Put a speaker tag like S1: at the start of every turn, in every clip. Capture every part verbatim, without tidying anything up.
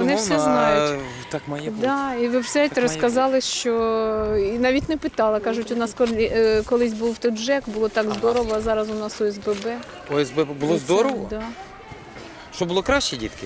S1: Вони все знають.
S2: а так має бути.
S1: Да, і ви представляєте,
S2: Так має
S1: розказали, що і навіть не питала. Кажуть, у нас колі- е, колись був тут ЖЕК, було так здорово, а зараз у нас О С Б Б.
S2: О С Б було
S1: І це,
S2: здорово?
S1: Да.
S2: Що було краще, дітки?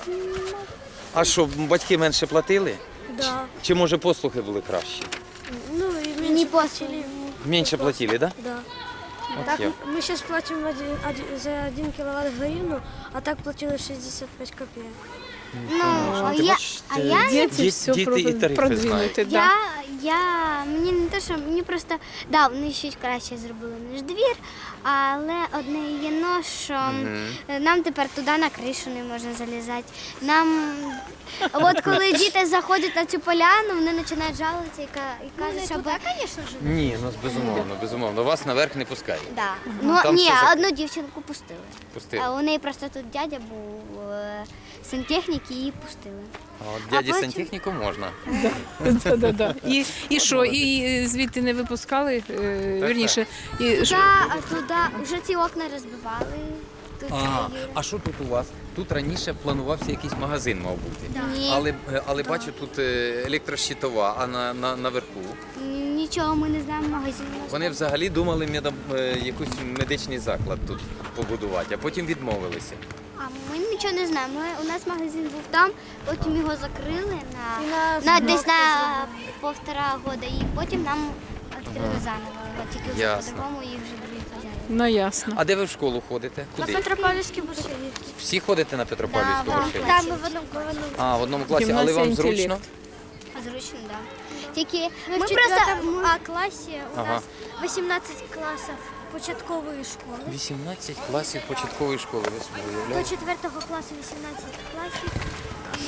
S2: А що, батьки менше платили?
S3: Да.
S2: Чи може послуги були кращі?
S3: Ну и меньше платили.
S2: Менше платили, так?
S3: Да.
S2: От
S3: Так
S2: я.
S3: мы сейчас платим один, один- за один киловатт гривну, а так платили шестьдесят пять копеек.
S4: Ну, а
S2: Ти
S4: я,
S2: бачиш,
S4: а
S2: ти-
S4: я,
S1: Діти
S2: Діт-
S1: все
S2: діти і тарифи
S1: продвинути. Да.
S4: я, я, мені не те, що мені просто, да, вони щось краще зробили, ніж двір, але одне є но, що
S2: Мгм.
S4: нам тепер туди на кришу не можна залізати. Нам, от коли діти заходять на цю поляну, вони починають жалуватися і, ка- і кажуть, що... бо-
S2: Ні, ну безумовно, безумовно. Вас наверх не пускають.
S4: Да. Ну,
S2: Там
S4: ні,
S2: все зак-
S4: одну дівчинку пустили.
S2: Пустили.
S4: А у неї просто тут дядя був е, сантехнік і її пустили.
S2: А от дяді
S4: потім-
S2: сантехніку можна.
S1: Да, да, да. І, і що, і звідти не випускали? Е, Вірніше, і, що-
S4: Да, а туди вже ці окна розбивали. Тут
S2: А,
S4: це є.
S2: а що тут у вас? Тут раніше планувався якийсь магазин, мав бути.
S4: Ні,
S2: Але, але бачу, тут е, електрощитова, а на, на, наверху.
S4: нічого ми не знаємо, магазин у нас.
S2: Вони взагалі думали медом, е, якийсь медичний заклад тут побудувати, а потім відмовилися.
S4: А ми нічого не знаємо. Ми, у нас магазин був там, потім його закрили на,
S3: І на
S4: на
S3: зборку
S4: десь на
S3: зробили.
S4: півтора года, і потім нам відкрили заново. От Тільки вже
S2: Ясно.
S4: по-другому їх вже другі хазяїни.
S1: ну ясно.
S2: А де ви в школу ходите?
S3: На
S2: Куди?
S3: Петропавловске большевик.
S2: Всі ходите на Петропавлівську
S4: Да,
S2: грошей?
S3: Там мы в одном году.
S2: А, в одному класі, але
S1: Гімназія
S2: вам
S1: «Інтелект».
S2: зручно?
S4: Зручно, так. Да. Тільки
S3: Ми,
S4: ми
S3: в
S4: просто
S3: четвертом А классе у
S2: Ага.
S3: нас восемнадцать классов початкової школи.
S2: вісімнадцять класів початкової школи, ви собі
S3: До
S2: уявляєте?
S3: четвертого класу вісімнадцять класів. І...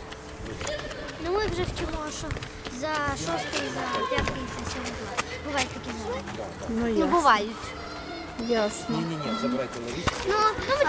S3: Ну ми вже вчимо, що за шостий, за п'ятий, за сьомий клас. Бувають такі задання.
S1: Ну,
S4: ну,
S1: ясно.
S4: бувають.
S1: ясно.
S2: Ні-ні-ні, забирайте ловіть.
S4: Ну,